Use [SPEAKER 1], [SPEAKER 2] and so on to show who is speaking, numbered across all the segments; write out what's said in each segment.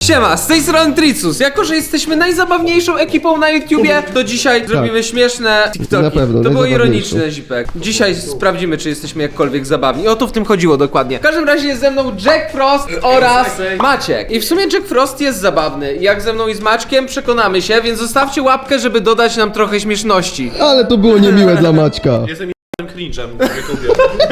[SPEAKER 1] Siema, z tej strony Tricus. Jako, że jesteśmy najzabawniejszą ekipą na YouTubie, to dzisiaj zrobimy śmieszne TikToki.
[SPEAKER 2] Na pewno,
[SPEAKER 1] To było ironiczne, Zipek. Dzisiaj sprawdzimy, czy jesteśmy jakkolwiek zabawni. O to w tym chodziło dokładnie. W każdym razie jest ze mną Jack Frost oraz Maciek. I w sumie Jack Frost jest zabawny. Jak ze mną i z Maćkiem przekonamy się, więc zostawcie łapkę, żeby dodać nam trochę śmieszności.
[SPEAKER 2] Ale to było niemiłe dla Maćka.
[SPEAKER 3] Jestem cringe'em, nie kupię.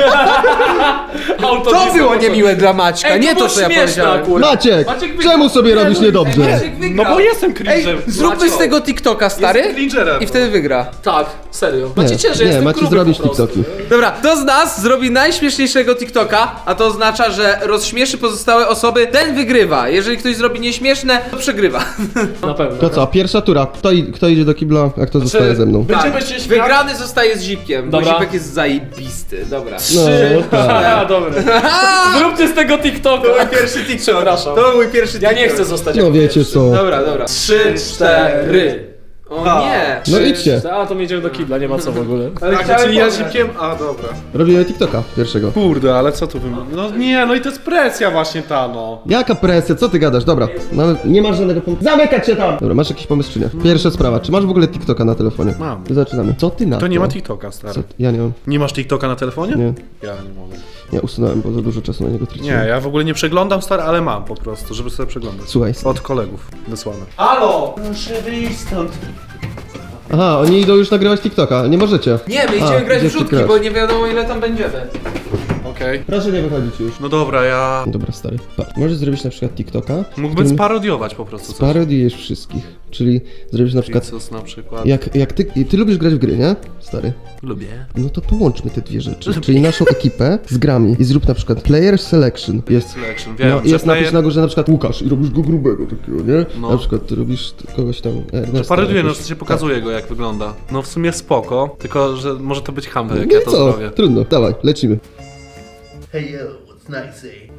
[SPEAKER 1] To było niemiłe dla Maćka, nie to, co ja powiedziałem.
[SPEAKER 2] Maciek, czemu sobie robisz niedobrze?
[SPEAKER 1] Maciek wygra.
[SPEAKER 3] No bo jestem cringe'em.
[SPEAKER 1] Zróbmy z tego TikToka, stary.
[SPEAKER 3] Jestem cringerem.
[SPEAKER 1] I wtedy wygra.
[SPEAKER 4] Tak, serio. Macie, że
[SPEAKER 2] Nie,
[SPEAKER 4] jestem
[SPEAKER 2] macie
[SPEAKER 4] gruby
[SPEAKER 2] zrobić
[SPEAKER 4] po prostu.
[SPEAKER 2] TikToki.
[SPEAKER 1] Dobra, kto z nas zrobi najśmieszniejszego TikToka, a to oznacza, że rozśmieszy pozostałe osoby, ten wygrywa. Jeżeli ktoś zrobi nieśmieszne, to przegrywa.
[SPEAKER 4] Na pewno.
[SPEAKER 2] To co, pierwsza tura. Kto idzie do kibla, a kto zostaje ze mną?
[SPEAKER 4] Będziemy się śmiać.
[SPEAKER 1] Wygrany zostaje z Zipkiem, bo
[SPEAKER 4] Dobra.
[SPEAKER 1] Zipek jest zajebisty. Dobra.
[SPEAKER 2] No, tak.
[SPEAKER 4] A, dobra. Zróbcie z tego TikToka.
[SPEAKER 1] To mój pierwszy TikTok.
[SPEAKER 4] Przepraszam.
[SPEAKER 1] To był mój pierwszy
[SPEAKER 4] Ja
[SPEAKER 1] TikTok.
[SPEAKER 4] nie chcę zostać
[SPEAKER 2] No
[SPEAKER 4] jako
[SPEAKER 2] wiecie
[SPEAKER 4] pierwszy.
[SPEAKER 2] co.
[SPEAKER 1] Dobra, dobra.
[SPEAKER 4] 3, 4.
[SPEAKER 1] O nie.
[SPEAKER 2] No idźcie.
[SPEAKER 4] A, to my idziemy do kibla, nie ma co w ogóle.
[SPEAKER 3] Tak, czyli ja zipkiem? A, dobra.
[SPEAKER 2] Robimy TikToka pierwszego.
[SPEAKER 3] Kurde, ale co tu wymyślić? No nie, no i to jest presja właśnie ta, no.
[SPEAKER 2] Jaka presja, co ty gadasz? Dobra, nie masz żadnego pomysłu. Zamykać się tam! Dobra, masz jakiś pomysł czy nie? Pierwsza sprawa, czy masz w ogóle TikToka na telefonie?
[SPEAKER 3] Mam.
[SPEAKER 2] Zaczynamy. Co ty na
[SPEAKER 3] To nie ma TikToka, stary.
[SPEAKER 2] Co? Ja nie mam.
[SPEAKER 3] Nie masz TikToka na telefonie?
[SPEAKER 2] Nie.
[SPEAKER 3] Ja nie mogę.
[SPEAKER 2] Ja usunąłem, bo za dużo czasu na niego
[SPEAKER 3] Nie,
[SPEAKER 2] traciłem.
[SPEAKER 3] ja w ogóle nie przeglądam, stary, ale mam po prostu, żeby sobie przeglądać.
[SPEAKER 2] Słuchaj.
[SPEAKER 3] Od kolegów wysłane.
[SPEAKER 4] Halo! Muszę wyjść stąd.
[SPEAKER 2] Aha, oni idą już nagrywać TikToka, nie możecie.
[SPEAKER 1] Nie, my idziemy grać w
[SPEAKER 2] gdzie ty
[SPEAKER 1] rzutki,
[SPEAKER 2] grasz?
[SPEAKER 1] bo nie wiadomo ile tam będziemy.
[SPEAKER 3] Okej.
[SPEAKER 2] Proszę nie wychodzić już.
[SPEAKER 3] No dobra, ja...
[SPEAKER 2] Dobra, stary. Patrz, możesz zrobić na przykład TikToka.
[SPEAKER 3] Mógłbym sparodiować po prostu coś.
[SPEAKER 2] Parodiujesz wszystkich. Czyli zrobisz na przykład.
[SPEAKER 3] Tricus na przykład.
[SPEAKER 2] Jak ty lubisz grać w gry, nie? Stary.
[SPEAKER 3] Lubię.
[SPEAKER 2] No to połączmy te dwie rzeczy. Czyli naszą ekipę z grami i zrób na przykład player selection. Jest,
[SPEAKER 3] Selection, wiem,
[SPEAKER 2] no,
[SPEAKER 3] że
[SPEAKER 2] jest napis
[SPEAKER 3] player-
[SPEAKER 2] na górze na przykład Łukasz i robisz go grubego takiego, nie?
[SPEAKER 3] No.
[SPEAKER 2] Na przykład ty robisz kogoś tam Ernesta.
[SPEAKER 3] Paroduje, no
[SPEAKER 2] jakoś.
[SPEAKER 3] to się pokazuje go jak wygląda. No w sumie spoko, tylko że może to być hamwe, jak
[SPEAKER 2] No
[SPEAKER 3] ja
[SPEAKER 2] i
[SPEAKER 3] to
[SPEAKER 2] co?
[SPEAKER 3] zrobię.
[SPEAKER 2] Trudno, dawaj, lecimy.
[SPEAKER 5] Hey yo, what's nice, eh?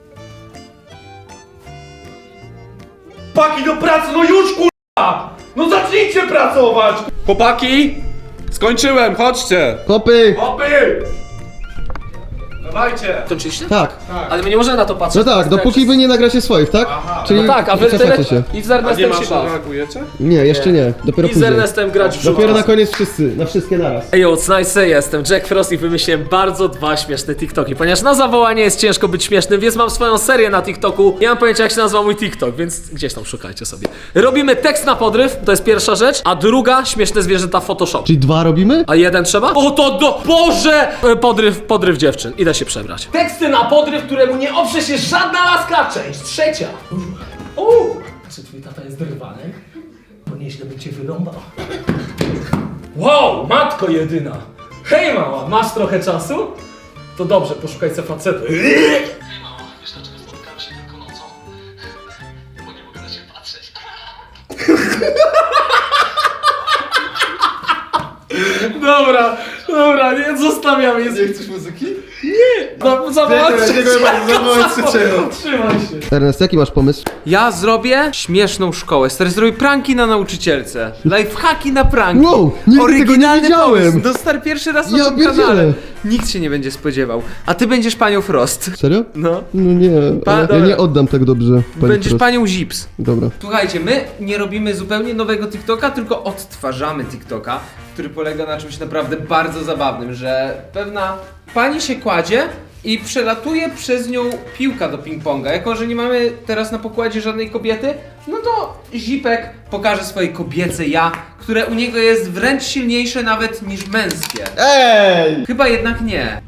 [SPEAKER 3] Paki do pracy, no już kurwa! No zacznijcie pracować! Chłopaki! Skończyłem, chodźcie!
[SPEAKER 2] Hopy!
[SPEAKER 3] Hopy! Dawajcie!
[SPEAKER 4] Skończyliście?
[SPEAKER 2] Tak.
[SPEAKER 4] Ale my nie możemy na to patrzeć.
[SPEAKER 2] No tak, dopóki wy nie nagracie swoich, tak? Czyli
[SPEAKER 4] No tak, a wy
[SPEAKER 2] cofacie
[SPEAKER 4] tyle...
[SPEAKER 2] się.
[SPEAKER 4] I z
[SPEAKER 3] A nie
[SPEAKER 4] Ernestem
[SPEAKER 3] masz,
[SPEAKER 4] się baw.
[SPEAKER 3] reagujecie?
[SPEAKER 2] Nie, jeszcze nie. Dopiero
[SPEAKER 4] I z
[SPEAKER 2] później.
[SPEAKER 4] Ernestem grać w
[SPEAKER 2] Dopiero na
[SPEAKER 4] rzut.
[SPEAKER 2] koniec wszyscy, na wszystkie naraz.
[SPEAKER 4] Ej, what's nice, jestem Jack Frost i wymyśliłem bardzo dwa śmieszne TikToki. Ponieważ na zawołanie jest ciężko być śmiesznym, więc mam swoją serię na TikToku. Nie mam pojęcia, jak się nazywa mój TikTok, więc gdzieś tam szukajcie sobie. Robimy tekst na podryw, to jest pierwsza rzecz, a druga śmieszne zwierzęta w Photoshop.
[SPEAKER 2] Czyli dwa robimy?
[SPEAKER 4] A jeden trzeba? O to do... Boże! Podryw dziewczyn. Idę się przebrać. Teksty na podryw, któremu nie oprze się żadna laska. Część trzecia. Czy twój tata jest drwany? Bo nieźle by cię wyrąbał. Wow, matko jedyna. Hej mała, masz trochę czasu? To dobrze, poszukaj se facetu. Hej mała, wiesz dlaczego spotkamy się tylko nocą? Bo nie mogę na ciebie patrzeć. Dobra, nie, zostawiam je. Nie chcesz muzyki? Nie! Trzymaj się.
[SPEAKER 2] Ernest, jaki masz pomysł?
[SPEAKER 1] Ja zrobię śmieszną szkołę. Stary, zrobię pranki na nauczycielce. Lifehacki na pranki.
[SPEAKER 2] Wow, nigdy tego nie
[SPEAKER 1] Oryginalny
[SPEAKER 2] widziałem.
[SPEAKER 1] pomysł. No stary, pierwszy raz na
[SPEAKER 2] Ja
[SPEAKER 1] tym
[SPEAKER 2] pierdzielę.
[SPEAKER 1] kanale. Nikt się nie będzie spodziewał. A ty będziesz panią Frost.
[SPEAKER 2] Serio?
[SPEAKER 1] No.
[SPEAKER 2] No nie, ale ja
[SPEAKER 1] dobra.
[SPEAKER 2] nie oddam tak dobrze. pani
[SPEAKER 1] Będziesz
[SPEAKER 2] Frost.
[SPEAKER 1] panią Zips.
[SPEAKER 2] Dobra.
[SPEAKER 1] Słuchajcie, my nie robimy zupełnie nowego TikToka, tylko odtwarzamy TikToka, który polega na czymś naprawdę bardzo zabawnym, że pewna pani się kładzie i przelatuje przez nią piłka do ping-ponga. Jako że nie mamy teraz na pokładzie żadnej kobiety, no to Zipek pokaże swoje kobiece ja, które u niego jest wręcz silniejsze nawet niż męskie.
[SPEAKER 2] Ej!
[SPEAKER 1] Chyba jednak nie.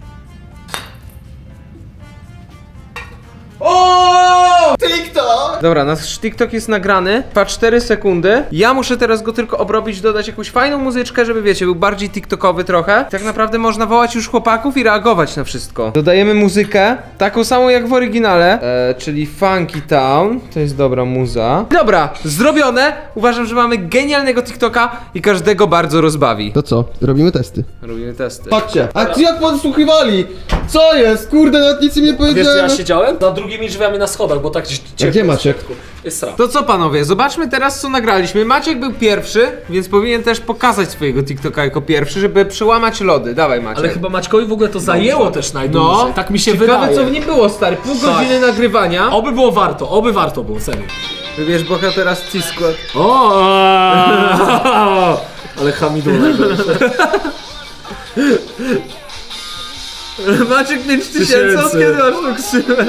[SPEAKER 1] O!
[SPEAKER 2] TikTok!
[SPEAKER 1] Dobra, nasz TikTok jest nagrany, trwa 4 sekundy. Ja muszę teraz go tylko obrobić, dodać jakąś fajną muzyczkę, żeby wiecie, był bardziej tiktokowy trochę. Tak naprawdę można wołać już chłopaków i reagować na wszystko. Dodajemy muzykę, taką samą jak w oryginale, czyli Funky Town. To jest dobra muza. Dobra, zrobione. Uważam, że mamy genialnego TikToka i każdego bardzo rozbawi.
[SPEAKER 2] To co? Robimy testy.
[SPEAKER 1] Robimy testy.
[SPEAKER 2] Patrzcie, a jak podsłuchiwali? Co jest? Kurde, nawet nic im nie
[SPEAKER 4] Wiesz, gdzie
[SPEAKER 2] powiedziałem.
[SPEAKER 4] ja siedziałem? Za drugimi drzwiami na schodach, bo tak ciepło.
[SPEAKER 2] gdzie Maciek?
[SPEAKER 4] Jest sra.
[SPEAKER 1] To co panowie, zobaczmy teraz co nagraliśmy. Maciek był pierwszy, więc powinien też pokazać swojego TikToka jako pierwszy, żeby przełamać lody. Dawaj Maciek.
[SPEAKER 4] Ale chyba Maćkowi w ogóle to zajęło też najdłużej.
[SPEAKER 1] No,
[SPEAKER 4] Tak mi się
[SPEAKER 1] ciekawe
[SPEAKER 4] wydaje.
[SPEAKER 1] co w nim było, stary. Pół godziny nagrywania.
[SPEAKER 4] Oby było warto, oby warto było, serio.
[SPEAKER 1] Wybierz bohatera z T-Squad.
[SPEAKER 4] O! Ale hamidulek.
[SPEAKER 1] Maciek 5000, od kiedy masz tą ksywę?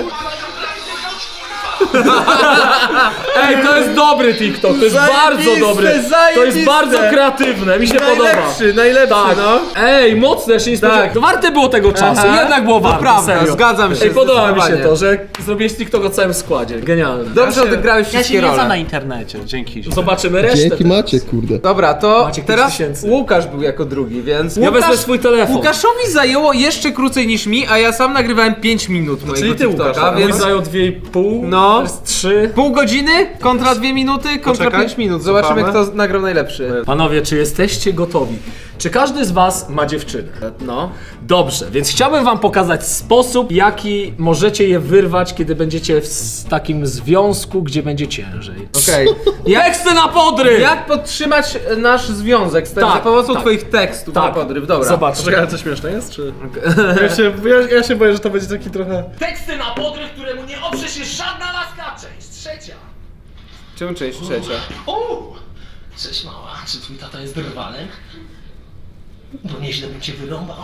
[SPEAKER 4] Ej, to jest dobry TikTok, to jest bardzo dobry. To jest bardzo kreatywne, mi się podoba.
[SPEAKER 1] Najlepszy,
[SPEAKER 4] Tak.
[SPEAKER 1] no.
[SPEAKER 4] Ej, mocne, ja się nie spodziewałem. To warte było tego czasu,
[SPEAKER 1] Aha.
[SPEAKER 4] jednak było
[SPEAKER 1] To
[SPEAKER 4] warte,
[SPEAKER 1] prawda,
[SPEAKER 4] serio.
[SPEAKER 1] zgadzam się,
[SPEAKER 4] Ej, podoba mi się
[SPEAKER 1] zdecydowanie.
[SPEAKER 4] to, że zrobiłeś TikTok o całym składzie, genialne.
[SPEAKER 1] Dobrze odegrałeś
[SPEAKER 3] Ja
[SPEAKER 1] wszystkie
[SPEAKER 3] się nie znam na
[SPEAKER 1] role.
[SPEAKER 3] internecie, dzięki.
[SPEAKER 4] Zobaczymy resztę.
[SPEAKER 2] Dzięki
[SPEAKER 4] teraz.
[SPEAKER 2] Maciek, kurde.
[SPEAKER 1] Dobra, to
[SPEAKER 4] Maciek
[SPEAKER 1] teraz
[SPEAKER 4] 5000.
[SPEAKER 1] Łukasz był jako drugi, więc...
[SPEAKER 4] Ja wezmę swój telefon.
[SPEAKER 1] Łukaszowi zajęło jeszcze krócej niż mi, a ja sam nagrywałem 5 minut mojego
[SPEAKER 3] czyli ty,
[SPEAKER 1] TikToka,
[SPEAKER 3] Łukasz, a
[SPEAKER 4] Mój
[SPEAKER 1] więc...
[SPEAKER 4] zajął 2,5,
[SPEAKER 1] No.
[SPEAKER 4] to jest 3.
[SPEAKER 1] Pół godziny kontra 2 minuty kontra
[SPEAKER 3] Poczekaj.
[SPEAKER 1] 5 minut. Zobaczymy,
[SPEAKER 3] Cofamy.
[SPEAKER 1] kto nagrał najlepszy.
[SPEAKER 4] Panowie, czy jesteście gotowi? Czy każdy z was ma dziewczynę?
[SPEAKER 1] No.
[SPEAKER 4] Dobrze, więc chciałbym wam pokazać sposób, jaki możecie je wyrwać, kiedy będziecie w takim związku, gdzie będzie ciężej.
[SPEAKER 1] Okej. Jak,
[SPEAKER 4] Teksty na podry!
[SPEAKER 1] jak podtrzymać nasz związek
[SPEAKER 4] Tak,
[SPEAKER 1] za pomocą
[SPEAKER 4] tak.
[SPEAKER 1] twoich tekstów na podryw? Dobra.
[SPEAKER 4] Zobacz.
[SPEAKER 3] Czekaj, ale to śmieszne jest, czy? Ja się boję, że to będzie taki trochę...
[SPEAKER 4] Teksty na podryw, któremu nie oprze się żadna laska. Część trzecia.
[SPEAKER 1] Czemu część trzecia?
[SPEAKER 6] Cześć mała, czy twój tata jest drwalem? Bo nieźle bym cię wyrąbał.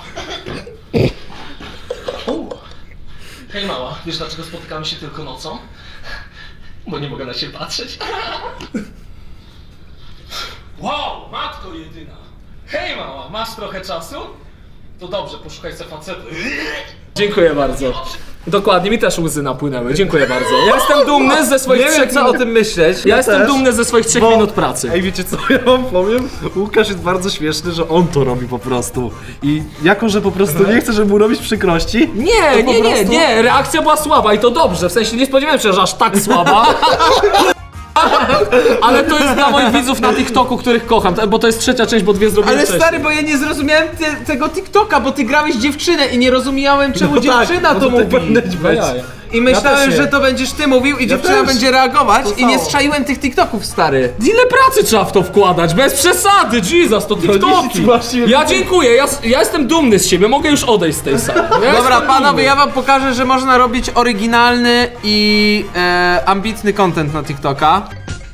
[SPEAKER 6] Hej mała, wiesz dlaczego spotykamy się tylko nocą? Bo nie mogę na ciebie patrzeć. Wow, matko jedyna. Hej mała, masz trochę czasu? To dobrze, poszukaj se facetu.
[SPEAKER 4] Dziękuję bardzo. Dokładnie, mi też łzy napłynęły. Dziękuję bardzo. Ja jestem dumny ze swoich
[SPEAKER 1] Nie
[SPEAKER 4] 3
[SPEAKER 1] wiem, co o
[SPEAKER 4] minut.
[SPEAKER 1] tym myśleć.
[SPEAKER 4] Ja jestem
[SPEAKER 3] też.
[SPEAKER 4] dumny ze swoich 3 minut pracy.
[SPEAKER 3] Ej, wiecie co ja wam powiem? Łukasz jest bardzo śmieszny, że on to robi po prostu. I jako, że po prostu nie chce, żeby mu robić przykrości...
[SPEAKER 4] Nie,
[SPEAKER 3] po
[SPEAKER 4] nie, nie,
[SPEAKER 3] prostu-
[SPEAKER 4] nie, reakcja była słaba i to dobrze, w sensie nie spodziewałem się, że aż tak słaba. Ale to jest dla moich widzów na TikToku, których kocham, bo to jest trzecia część, bo 2 zrobiłem
[SPEAKER 1] Ale
[SPEAKER 4] wcześniej.
[SPEAKER 1] stary, bo ja nie zrozumiałem tego TikToka, bo ty grałeś dziewczynę i nie rozumiałem, czemu dziewczyna to mówi. I myślałem,
[SPEAKER 4] też
[SPEAKER 1] że
[SPEAKER 4] nie.
[SPEAKER 1] to będziesz ty mówił i dziewczyna
[SPEAKER 3] też.
[SPEAKER 1] będzie reagować i nie
[SPEAKER 3] samo.
[SPEAKER 1] strzaiłem tych TikToków, stary.
[SPEAKER 4] Ile pracy trzeba w to wkładać? Bez przesady, Jesus, to TikToki.
[SPEAKER 3] nic właściwie
[SPEAKER 4] Ja dziękuję, ja jestem dumny z siebie, mogę już odejść z tej sali. Ja
[SPEAKER 1] Dobra,
[SPEAKER 4] jestem
[SPEAKER 1] panowie,
[SPEAKER 4] dumny.
[SPEAKER 1] ja wam pokażę, że można robić oryginalny i ambitny content na TikToka.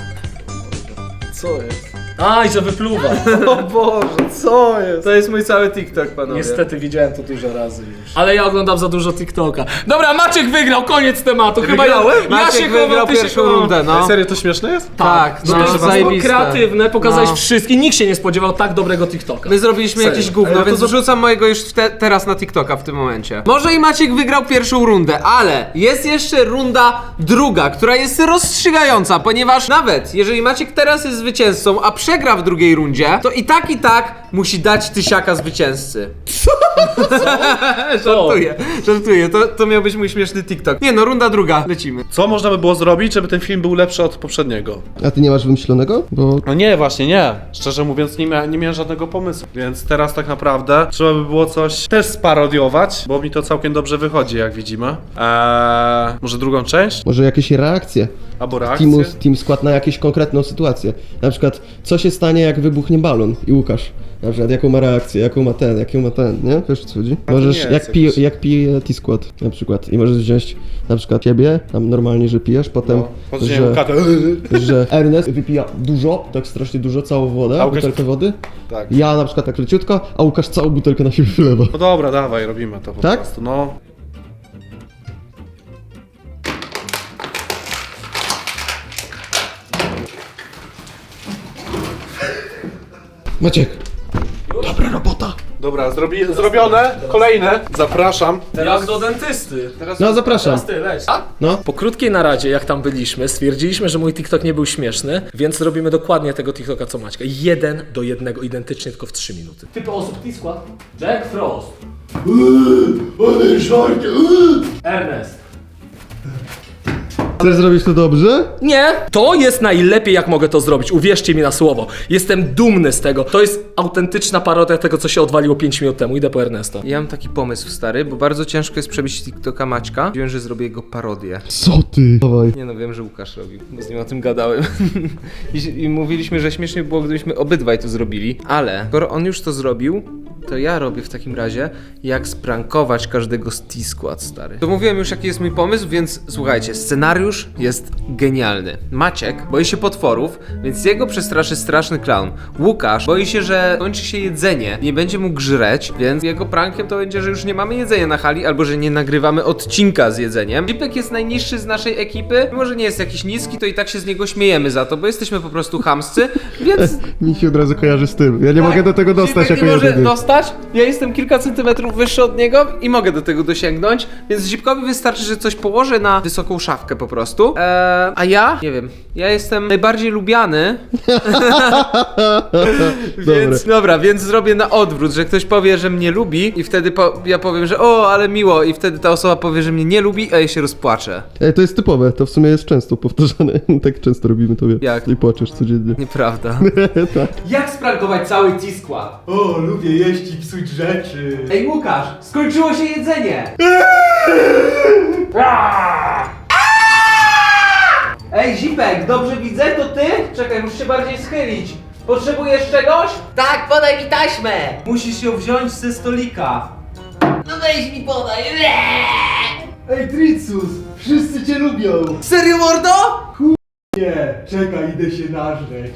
[SPEAKER 3] Co jest?
[SPEAKER 4] Aj, że wypluwa.
[SPEAKER 3] O Boże, co jest?
[SPEAKER 1] To jest mój cały TikTok, panowie.
[SPEAKER 4] Niestety widziałem to dużo razy już. Ale ja oglądam za dużo TikToka. Dobra, Maciek wygrał, koniec tematu. Chyba
[SPEAKER 3] wygrałem?
[SPEAKER 4] ja
[SPEAKER 1] Maciek
[SPEAKER 4] się
[SPEAKER 1] wygrał
[SPEAKER 4] chowam, ty się
[SPEAKER 1] pierwszą
[SPEAKER 4] chowam.
[SPEAKER 1] rundę, no.
[SPEAKER 3] Serio, to śmieszne jest?
[SPEAKER 1] Tak,
[SPEAKER 4] No
[SPEAKER 1] no,
[SPEAKER 4] to jest
[SPEAKER 1] zajebiste.
[SPEAKER 4] kreatywne, pokazałeś
[SPEAKER 1] No.
[SPEAKER 4] wszystkim. Nikt się nie spodziewał tak dobrego TikToka.
[SPEAKER 1] My zrobiliśmy
[SPEAKER 4] Serio.
[SPEAKER 1] jakieś gówno,
[SPEAKER 3] Ej, no to
[SPEAKER 1] więc wrzucam mojego już teraz na TikToka w tym momencie. Może i Maciek wygrał pierwszą rundę, ale jest jeszcze runda druga, która jest rozstrzygająca, ponieważ nawet jeżeli Maciek teraz jest zwycięzcą, a przegra w drugiej rundzie, to i tak musi dać tysiaka zwycięzcy. Żartuję, to miał być mój śmieszny TikTok. Nie no, runda druga, lecimy.
[SPEAKER 3] Co można by było zrobić, żeby ten film był lepszy od poprzedniego?
[SPEAKER 2] A ty nie masz wymyślonego? Bo
[SPEAKER 3] No nie, właśnie nie. Szczerze mówiąc, nie miałem żadnego pomysłu. Więc teraz tak naprawdę trzeba by było coś też sparodiować, bo mi to całkiem dobrze wychodzi, jak widzimy. Może drugą część?
[SPEAKER 2] może jakieś reakcje
[SPEAKER 3] Albo reakcję?
[SPEAKER 2] Team Skład na jakąś konkretną sytuację. Na przykład, co się stanie, jak wybuchnie balon i Łukasz. Na przykład, jaką ma reakcję, jaką ma ten, nie? Wiesz, o co chodzi?
[SPEAKER 3] to
[SPEAKER 2] Możesz,
[SPEAKER 3] nie jest
[SPEAKER 2] jak, jak pije T-Skład na przykład. I możesz wziąć na przykład ciebie, tam normalnie, że pijesz, potem,
[SPEAKER 3] Podrzuciłem katę.
[SPEAKER 2] że Ernest wypija dużo, tak strasznie dużo, całą wodę,
[SPEAKER 3] A Łukasz-
[SPEAKER 2] butelkę wody.
[SPEAKER 3] Tak.
[SPEAKER 2] Ja na przykład tak leciutko, a Łukasz całą butelkę na siebie wylewa.
[SPEAKER 3] No dobra, dawaj, robimy to po
[SPEAKER 2] Tak?
[SPEAKER 3] prostu, no.
[SPEAKER 2] Maciek,
[SPEAKER 3] Dobra, zrobione. Kolejne. Zapraszam.
[SPEAKER 4] Teraz do dentysty.
[SPEAKER 2] no zapraszam.
[SPEAKER 4] Ty, leć.
[SPEAKER 2] No.
[SPEAKER 4] Po krótkiej naradzie, jak tam byliśmy, stwierdziliśmy, że mój TikTok nie był śmieszny, więc robimy dokładnie tego TikToka co Maćka. 1 do 1, identycznie, tylko w 3 minuty. Typy osób T-Skład. Jack Frost. Ernest.
[SPEAKER 2] Chcesz zrobić to dobrze?
[SPEAKER 4] Nie, to jest najlepiej, jak mogę to zrobić. Uwierzcie mi na słowo. Jestem dumny z tego. To jest autentyczna parodia tego, co się odwaliło 5 minut temu. Idę po Ernesta.
[SPEAKER 1] Ja mam taki pomysł, stary, bo bardzo ciężko jest przebić TikToka Maćka. Wiem, że zrobię jego parodię.
[SPEAKER 2] Co ty? Dawaj.
[SPEAKER 1] Nie no, wiem, że Łukasz robił, bo z nim o tym gadałem. I mówiliśmy, że śmiesznie by było, gdybyśmy obydwaj to zrobili, ale skoro on już to zrobił, to ja robię w takim razie, jak sprankować każdego z T-Squad, stary. To mówiłem już, jaki jest mój pomysł, więc słuchajcie, scenariusz jest genialny. Maciek boi się potworów, więc jego przestraszy straszny clown. Łukasz boi się, że kończy się jedzenie, nie będzie mógł żreć, więc jego prankiem to będzie, że już nie mamy jedzenia na hali, albo że nie nagrywamy odcinka z jedzeniem. Zipek jest najniższy z naszej ekipy, mimo że nie jest jakiś niski, to i tak się z niego śmiejemy za to, bo jesteśmy po prostu chamscy, więc...
[SPEAKER 2] Mi się od razu kojarzy z tym. Ja nie mogę do tego dostać
[SPEAKER 1] Zipek
[SPEAKER 2] jako
[SPEAKER 1] nie może
[SPEAKER 2] jedyny.
[SPEAKER 1] dostać, ja jestem kilka centymetrów wyższy od niego i mogę do tego dosięgnąć, więc Zipkowi wystarczy, że coś położę na wysoką szafkę po prostu. A ja? Nie wiem, ja jestem najbardziej lubiany. Więc dobra, więc zrobię na odwrót, że ktoś powie, że mnie lubi i wtedy ja powiem, że o, ale miło i wtedy ta osoba powie, że mnie nie lubi, a ja się rozpłaczę.
[SPEAKER 2] Ej, to jest typowe, to w sumie jest często powtarzane. Tak często robimy to, wie.
[SPEAKER 1] Jak?
[SPEAKER 2] I płaczesz codziennie.
[SPEAKER 1] Nieprawda.
[SPEAKER 2] Tak.
[SPEAKER 1] Jak sprankować cały T-Skład?
[SPEAKER 5] O, lubię jeść i psuć rzeczy.
[SPEAKER 1] Ej Łukasz, skończyło się jedzenie! Ej Zipek, dobrze widzę, to ty? Czekaj, muszę się bardziej schylić. Potrzebujesz czegoś?
[SPEAKER 7] Tak, podaj mi taśmę!
[SPEAKER 1] Musisz ją wziąć ze stolika.
[SPEAKER 7] No weź mi podaj!
[SPEAKER 5] Ej, Tricus, wszyscy cię lubią.
[SPEAKER 1] Serio, mordo?
[SPEAKER 5] Nie, czekaj, idę się nażreć.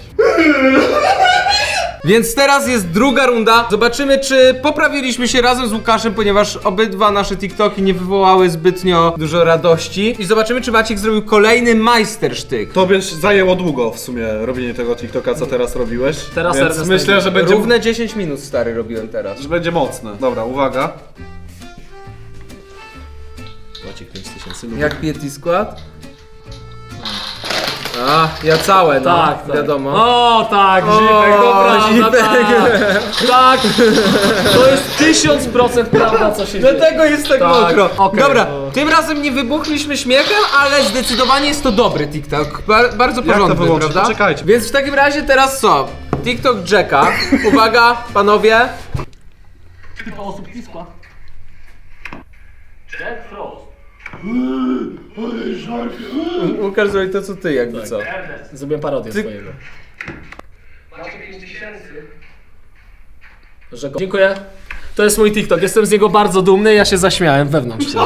[SPEAKER 1] Więc teraz jest druga runda. Zobaczymy, czy poprawiliśmy się razem z Łukaszem, ponieważ obydwa nasze TikToki nie wywołały zbytnio dużo radości. I zobaczymy, czy Maciek zrobił kolejny majstersztyk.
[SPEAKER 3] Tobie zajęło długo w sumie robienie tego TikToka, co teraz robiłeś.
[SPEAKER 4] Teraz
[SPEAKER 3] więc
[SPEAKER 4] Ernest
[SPEAKER 3] myślę, że będzie,
[SPEAKER 1] Równe 10 minut, stary, robiłem teraz.
[SPEAKER 3] że będzie mocne. Dobra, uwaga.
[SPEAKER 4] Maciek 5000 lubi.
[SPEAKER 1] Jak pije T-Skład? A, ja całe, no.
[SPEAKER 4] Tak, tak.
[SPEAKER 1] Wiadomo.
[SPEAKER 4] O, tak,
[SPEAKER 1] O,
[SPEAKER 4] Zipek, dobra,
[SPEAKER 1] Zipek.
[SPEAKER 4] tak. To jest 1000% prawda, co się dzieje.
[SPEAKER 1] Dlatego jest tak
[SPEAKER 4] Tak,
[SPEAKER 1] mokro.
[SPEAKER 4] okej.
[SPEAKER 1] Dobra, tym razem nie wybuchliśmy śmiechem, ale zdecydowanie jest to dobry TikTok. Bardzo
[SPEAKER 3] Jak to
[SPEAKER 1] porządny,
[SPEAKER 3] wyłączyć?
[SPEAKER 1] prawda?
[SPEAKER 3] Poczekajcie.
[SPEAKER 1] Więc w takim razie teraz co? TikTok Jacka. Uwaga, panowie.
[SPEAKER 4] Jack Frost.
[SPEAKER 1] Łukasz zrobi to co ty, jakby co.
[SPEAKER 4] Zrobiłem parodię
[SPEAKER 1] Ty-
[SPEAKER 4] swojego. Dziękuję. To jest mój TikTok, jestem z niego bardzo dumny, ja się zaśmiałem wewnątrz się.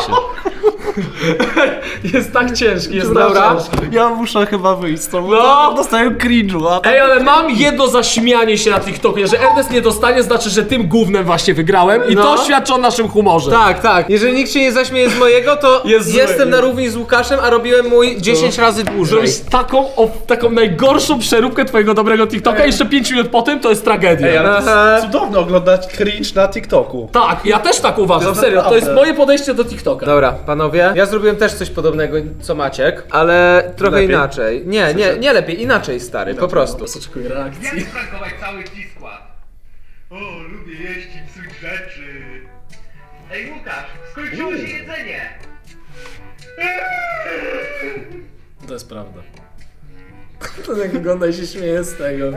[SPEAKER 4] Jest tak ciężki, jest
[SPEAKER 1] Dobra.
[SPEAKER 4] tak ciężki.
[SPEAKER 3] Ja muszę chyba wyjść z tobą.
[SPEAKER 4] No.
[SPEAKER 3] Dostałem cringe'u, a
[SPEAKER 4] Ej, ale mam jedno zaśmianie się na TikToku, że Ernest nie dostanie, znaczy, że tym gównem właśnie wygrałem i
[SPEAKER 1] No.
[SPEAKER 4] to świadczy o naszym humorze.
[SPEAKER 1] Tak, tak. Jeżeli nikt się nie zaśmieje z mojego, to
[SPEAKER 4] Jest zły,
[SPEAKER 1] jestem na
[SPEAKER 4] jest.
[SPEAKER 1] równi z Łukaszem, a robiłem mój 10 razy dłużej.
[SPEAKER 4] Zrobić taką najgorszą przeróbkę twojego dobrego TikToka i jeszcze 5 minut po tym to jest tragedia.
[SPEAKER 3] Ej, ale to
[SPEAKER 1] Aha.
[SPEAKER 3] jest cudowne oglądać cringe na TikToku.
[SPEAKER 4] Tak, ja też tak uważam,
[SPEAKER 3] jest
[SPEAKER 4] serio, to
[SPEAKER 3] naprawdę.
[SPEAKER 4] jest moje podejście do TikToka.
[SPEAKER 1] Dobra, panowie, ja zrobiłem też coś podobnego co Maciek, ale trochę
[SPEAKER 3] Lepiej?
[SPEAKER 1] inaczej. Nie lepiej, inaczej, stary, po prostu.
[SPEAKER 4] Oczekuję reakcji.
[SPEAKER 5] Jak sprankować cały T-Skład? O, lubię jeść i psuć rzeczy. Ej, Łukasz, skończyło się jedzenie.
[SPEAKER 4] To jest prawda. To jak wygląda i się śmieje z tego.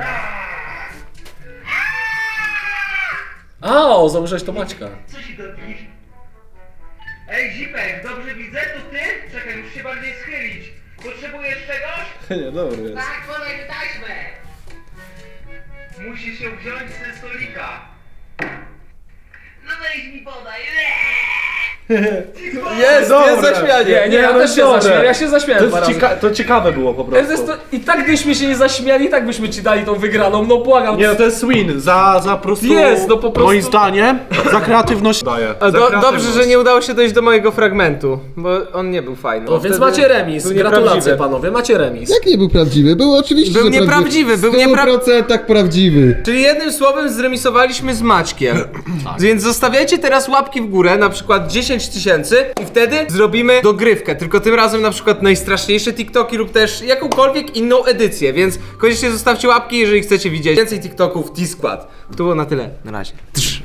[SPEAKER 4] A, założyłeś to Maćka.
[SPEAKER 5] Co się dopisz? Ej, Zipek, dobrze widzę, to ty? Czekaj, muszę się bardziej schylić. Potrzebujesz czegoś?
[SPEAKER 3] Nie, dobry jest.
[SPEAKER 7] Tak, podaj mi taśmę!
[SPEAKER 5] Musisz ją wziąć ze stolika.
[SPEAKER 7] No weź mi podaj!
[SPEAKER 1] Jest
[SPEAKER 3] Dobre.
[SPEAKER 1] zaśmianie.
[SPEAKER 4] Nie, ja też się zaśmiałem, ja się zaśmiałem
[SPEAKER 3] To,
[SPEAKER 4] dwa
[SPEAKER 3] jest
[SPEAKER 4] razy.
[SPEAKER 3] to ciekawe było po prostu.
[SPEAKER 4] Ernest, I tak gdybyśmy się nie zaśmiali, i tak byśmy ci dali tą wygraną, no błagam.
[SPEAKER 3] Nie, no to jest win. Za po prostu.
[SPEAKER 4] Jest, no po prostu-
[SPEAKER 3] Moim zdaniem, za kreatywność daję.
[SPEAKER 1] A
[SPEAKER 3] Za kreatywność.
[SPEAKER 1] dobrze, że nie udało się dojść do mojego fragmentu, bo on nie był fajny.
[SPEAKER 4] No więc
[SPEAKER 1] Wtedy
[SPEAKER 4] macie remis,
[SPEAKER 1] był
[SPEAKER 4] gratulacje
[SPEAKER 1] nieprawdziwy.
[SPEAKER 4] panowie, macie remis.
[SPEAKER 2] Jak nie był prawdziwy? Był oczywiście,
[SPEAKER 1] Był
[SPEAKER 2] że
[SPEAKER 1] nieprawdziwy, był
[SPEAKER 2] W 100% prawdziwy.
[SPEAKER 1] Czyli jednym słowem zremisowaliśmy z Maćkiem. Więc zostawiajcie teraz łapki w górę, na przykład 10 000 i wtedy zrobimy dogrywkę. Tylko tym razem na przykład najstraszniejsze TikToki lub też jakąkolwiek inną edycję. Więc koniecznie zostawcie łapki, jeżeli chcecie widzieć więcej TikToków T-Skład. To było na tyle. Na razie.